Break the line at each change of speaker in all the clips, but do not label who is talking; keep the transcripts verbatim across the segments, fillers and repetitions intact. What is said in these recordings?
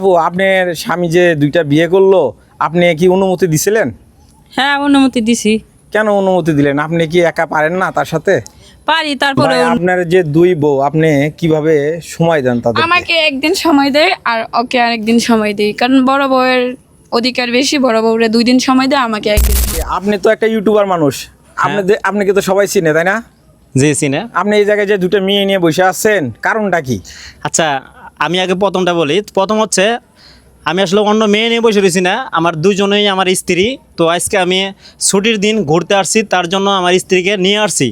আপনার স্বামী যে দুইটা বিয়ে করলো, আপনি কি অনুমতি দিছিলেন?
হ্যাঁ, অনুমতি দিছি।
কেন অনুমতি দিলেন? আপনি কি একা পারেন না তার সাথে?
পারি, তারপরে
ভাই, আপনার যে দুই বউ, আপনি কিভাবে সময় দেন তাদের?
আমাকে একদিন সময় দেয় আর ওকে আরেকদিন সময় দেয়, কারণ বড় বউয়ের অধিকার বেশি। বড় বউরে দুই দিন সময় দেয়, আমাকে একদিন।
আপনি তো একটা ইউটিউবার মানুষ, আপনি আপনাকে তো সবাই চিনে, তাই না?
জি চিনে।
আপনি এই জায়গায় যে দুটো মেয়ে নিয়ে বসে আছেন, কারণটা কি?
আচ্ছা, আমি আগে প্রথমটা বলি। প্রথম হচ্ছে, আমি আসলে অন্য মেয়ে নিয়ে বসে রয়েছি না, আমার দুজনেই আমার স্ত্রী। তো আজকে আমি ছুটির দিন ঘুরতে আসছি, তার জন্য আমার স্ত্রীকে নিয়ে আসছি।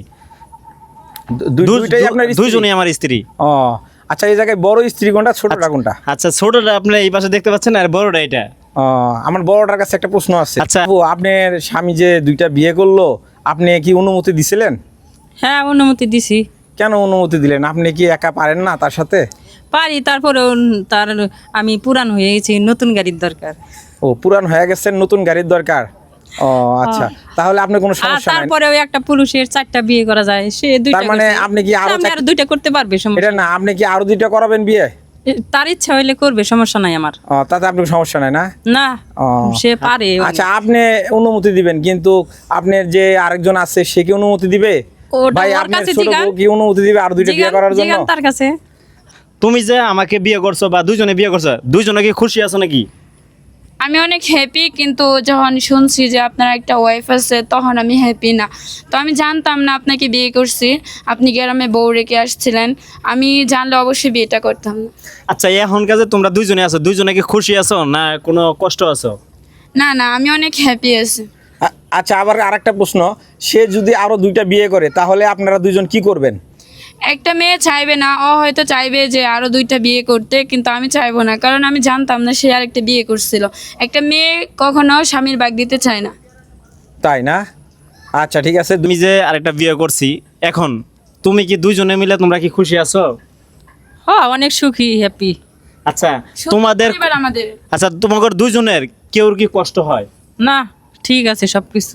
দু- দুইটাই আপনার স্ত্রী?
দুইজনেই আমার স্ত্রী।
ও আচ্ছা, এই জায়গায় বড় স্ত্রী কোনটা, ছোটটা কোনটা?
আচ্ছা, ছোটটা আপনি এই পাশে দেখতে পাচ্ছেন, আর বড়টা এটা।
ও, আমার বড়টার কাছে একটা প্রশ্ন আছে।
আচ্ছা।
আপু, আপনার স্বামী যে দুইটা বিয়ে করলো, আপনি কি অনুমতি দিছিলেন?
হ্যাঁ, অনুমতি দিছি।
কেন অনুমতি দিলেন? আপনি কি একা পারেন না তার সাথে?
পারি, তারপরে তার আমি পুরান হয়ে গেছি, নতুন গাড়ির দরকার।
ও, পুরান হয়ে গেছেন, নতুন গাড়ির দরকার। ও আচ্ছা, তাহলে আপনার কোনো
আর
সমস্যা নাই।
তারপরে ওই একটা পুরুষের চারটা বিয়ে করা যায়, সে দুইটা
তার মানে
করছে।
আপনি কি আরো
আমি
চার-
আরো দুইটা করতে পারবে, সমস্যা
এটা না, আপনি কি আরো দুইটা করাবেন বিয়ে?
তার ইচ্ছা হইলে করবে, সমস্যা নাই আমার।
ও, তাতে আপনার সমস্যা নাই না?
না,
ও,
সে পারে।
আচ্ছা, আপনি অনুমতি দিবেন, কিন্তু আপনার যে আরেকজন আছে সে কি অনুমতি দিবে?
ওটা
ভাই,
ওর
আপনার
কাছে
ছোট
জিগান।
বউ কি অনুমতি দিবে আর দুইটা বিয়ে
জিগান-
করার জন্য?
জিগান তার কাছে।
তুমি যে আমাকে বিয়ে করছো বা দুইজনে বিয়ে করছো, দুইজনে কি খুশি আছো নাকি?
আমি অনেক হ্যাপি, কিন্তু যখন শুনছি যে আপনার একটা ওয়াইফ আছে, তখন আমি হ্যাপি না। তো আমি জানতাম না আপনাকে বিয়ে করছি, আপনি গ্রামে বউ রেখে আসছিলেন। আমি জানলে অবশ্যই বিয়েটা করতাম না।
আচ্ছা, এখন কাজে তোমরা দুইজনে আছো, দুইজনে কি খুশি আছো না কোনো কষ্ট আছো?
না না, আমি অনেক হ্যাপি আছি।
আ- আচ্ছা, আবার আরেকটা প্রশ্ন, সে যদি আরো দুইটা বিয়ে করে, তাহলে আপনারা দুইজন কি করবেন?
একটা মেয়ে চাইবে না, ও হয়তো চাইবে যে আরো দুইটা বিয়ে করতে, কিন্তু আমি চাইবো না, কারণ আমি জানতাম না সে আরেকটা বিয়ে করছিল। একটা মেয়ে কখনো স্বামীর ভাগ দিতে চায় না।
তাই না? আচ্ছা, ঠিক আছে।
তুমি যে আরেকটা বিয়ে করছি, এখন তুমি কি দুইজনে মিলে তোমরা কি খুশি আছো?
হ্যাঁ, অনেক সুখী, হ্যাপি।
আচ্ছা,
সুন্দর
তোমাদের
পরিবার আমাদের।
আচ্ছা তোমাদের দুইজনের কেউর কি কষ্ট হয়
না, ঠিক আছে সবকিছু।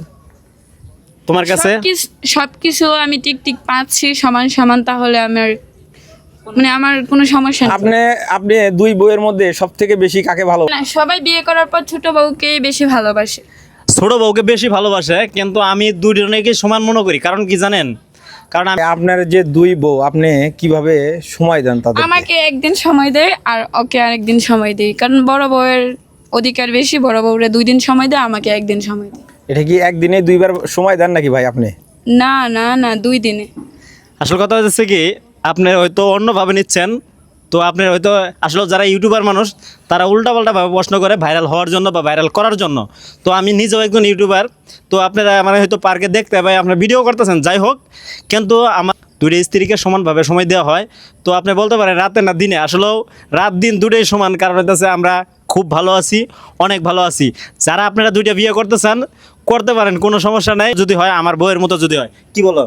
তোমার কাছে?
সবকিছু সবকিছু আমি ঠিক ঠিক পাচ্ছি সমান সমান, তাহলে আমার মানে আমার কোনো সমস্যা নেই।
আপনি আপনি দুই বউয়ের মধ্যে সব থেকে বেশি কাকে ভালো?
না, সবাই বিয়ে করার পর ছোট বউকেই বেশি ভালোবাসে।
ছোট বউকে বেশি ভালোবাসে, কিন্তু আমি দুইজনকে সমান মনে করি। কারণ কি জানেন? কারণ আমি
আপনার যে দুই বউ, আপনি কিভাবে সময় দেন তাদের?
আমাকে একদিন সময় দেয় আর ওকে আরেকদিন সময় দেয়, কারণ বড় বউয়ের অধিকার বেশি। বড় বউরে দুই দিন সময় দেয়, আমাকে একদিন সময় দেয়।
এটা কি একদিনে দুইবার সময় দেন নাকি ভাই আপনি?
না না না, দুই দিনে।
আসল কথা হচ্ছে কি, আপনি হয়তো অন্যভাবে নিচ্ছেন। তো আপনার হয়তো আসলে যারা ইউটিউবার মানুষ, তারা উল্টাপাল্টাভাবে প্রশ্ন করে ভাইরাল হওয়ার জন্য বা ভাইরাল করার জন্য। তো আমি নিজেও একজন ইউটিউবার। তো আপনারা মানে হয়তো পার্কে দেখতে পাই আপনার ভিডিও করতেছেন, যাই হোক, কিন্তু আমার দুইটা স্ত্রীকে সমানভাবে সময় দেওয়া হয়। তো আপনি বলতে পারেন রাতে না দিনে, আসলেও রাত দিন দুটোই সমান। কারণ হচ্ছে আমরা খুব ভালো আছি, অনেক ভালো আছি। যারা আপনারা দুইটা বিয়ে করতেছেন, করতে পারেন, কোনো সমস্যা নেই। যদি হয় আমার বউয়ের মতো যদি হয়, কি বলো?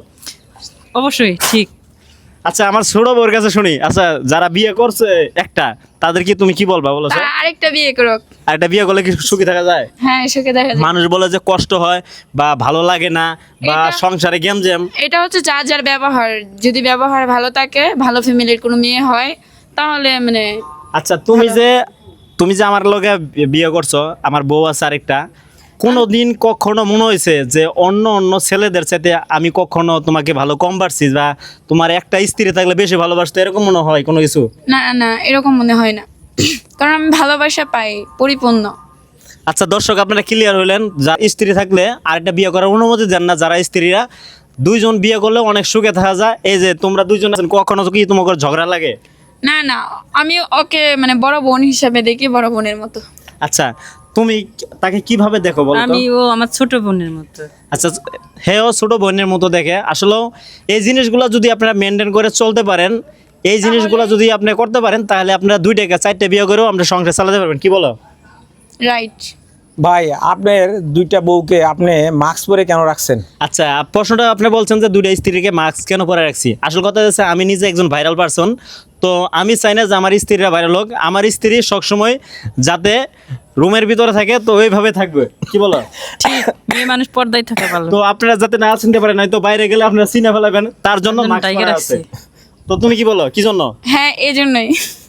অবশ্যই ঠিক।
আচ্ছা, আমার ছোট বউর কাছে শুনি। আচ্ছা, যারা বিয়ে করছে একটা, তাদের কি তুমি কি বলবা বলো?
তারা আরেকটা বিয়ে করুক।
আর একটা বিয়ে করলে কি সুখী থাকা যায়?
হ্যাঁ, সুখে দেখা যায়।
মানুষ বলে যে কষ্ট হয় বা ভালো লাগে না বা
এটা-
সংসারে গেম জ্যাম।
এটা হচ্ছে যার যার ব্যবহার। যদি ব্যবহার ভালো থাকে, ভালো ফ্যামিলির কোনো মেয়ে হয়, তাহলে মানে
আচ্ছা, তুমি যে তুমি যে আমার লগে বিয়ে করছো, আমার বউ আছে আরেকটা, কোনো দিন কখনো মনে হয়েছে যে অন্য অন্য ছেলেদের সাথে আমি কখনো তোমাকে ভালো কম পারছি বা তোমার একটা স্ত্রী থাকলে বেশি ভালোবাসতো, এরকম মনে হয় কোনো কিছু?
না না, এরকম মনে হয় না, কারণ আমি ভালোবাসা পাই পরিপূর্ণ।
আচ্ছা দর্শক, আপনারা ক্লিয়ার হইলেন, যার স্ত্রী থাকলে আরেকটা বিয়ে করার অনুমতি দেন না। যারা স্ত্রীরা দুইজন বিয়ে করলে অনেক সুখে থাকা যায়। এই যে তোমরা দুইজন আছেন, কখনো কি তোমার ঝগড়া লাগে?
না না, আমি ওকে মানে বড় বোন হিসাবে দেখি, বড় বোনের মতো।
আচ্ছা, তুমি তাকে কিভাবে দেখো বলো তো?
আমি ও আমার ছোট বোনের মতো।
আচ্ছা, হেও ছোট বোনের মতো দেখে। আসলেও এই জিনিসগুলো যদি আপনারা মেনটেন করে চলতে পারেন, এই জিনিসগুলো যদি আপনি করতে পারেন, তাহলে আপনারা দুইটাকে চারটে বিয়ে করেও আমরা সংসার চালাতে পারবেন। কি বলো?
রাইট।
ভাই, আপনার দুইটা বউকে আপনি মাস্ক পরে কেন রাখছেন?
আচ্ছা, প্রশ্নটা আপনি বলছেন যে দুইটা স্ত্রীকে মাস্ক কেন পরে রাখছি। আসল কথা হচ্ছে, আমি নিজে একজন ভাইরাল পারসন। তো আমি চাই না যে আমার স্ত্রীরা ভাইরাল হোক। আমার স্ত্রী সবসময় যাতে রুমের ভিতরে থাকে, তো ওইভাবে থাকবে। কি বলো?
ঠিক, মেয়ে মানুষ পর্দায় থাকা ভালো।
তো আপনারা যাতে না চিনতে পারেন, হয়তো বাইরে গেলে আপনারা চিনে ফেলাবেন, তার জন্য
তার জন্য
মাস্ক
টাইগার
পরা আছে।
রাখছে।
তো তুমি কি বলো, কি জন্য?
হ্যাঁ, এই জন্যই।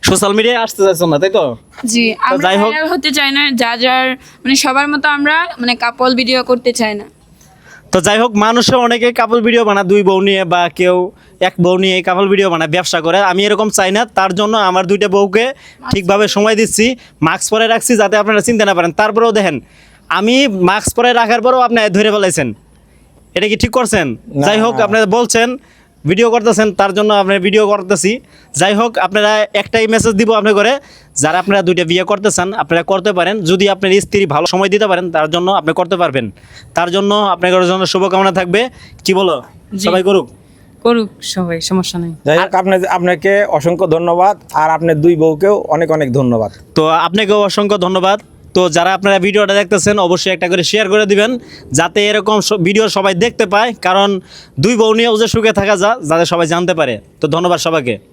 সোশ্যাল মিডিয়ায় আসতে চাইছেন না, তাই তো?
জি, আমরা
যাই হোক।
ভাইরাল হতে চাই না, যা যার মানে সবার মতো আমরা মানে কাপল ভিডিও করতে চাই না।
তো যাই হোক, মানুষে অনেকে কাপল ভিডিও বানায় দুই বউ নিয়ে, বা কেউ এক বউ নিয়ে কাপল ভিডিও বানায়, ব্যবসা করে। আমি এরকম চাই না, তার জন্য আমার দুইটা বউকে ঠিকভাবে সময় দিচ্ছি, মাস্ক পরে রাখছি যাতে আপনারা চিনতে না পারেন। তারপরেও দেখেন, আমি মাস্ক পরে রাখার পরেও আপনি ধরে ফেলাইছেন, এটা কি ঠিক করছেন?
না।
যাই হোক, আপনারা বলছেন ভিডিও করতেছেন, তার জন্য আপনার ভিডিও করতেছি। যাই হোক, আপনারা একটাই মেসেজ দিব আপনার করে, যারা আপনারা দুইটা বিয়ে করতে চান আপনারা করতে পারেন, যদি আপনার স্ত্রী ভালো সময় দিতে পারেন তার জন্য আপনি করতে পারবেন। তার জন্য আপনার জন্য শুভকামনা থাকবে। কি বলো,
জি।
সবাই করুক।
করুক সবাই, সমস্যা নেই।
যাই হোক, আপনি আপনাকে অসংখ্য ধন্যবাদ, আর আপনার দুই বউকেও অনেক অনেক ধন্যবাদ।
তো আপনাকেও অসংখ্য ধন্যবাদ। তো যারা আপনারা ভিডিওটা দেখতেছেন অবশ্যই একটা করে শেয়ার করে দিবেন, যাতে এরকম স- ভিডিও সবাই দেখতে পায়, কারণ দুই বউ নিয়েও যে সুখে থাকা যা, যাতে সবাই জানতে পারে। তো ধন্যবাদ সবাইকে।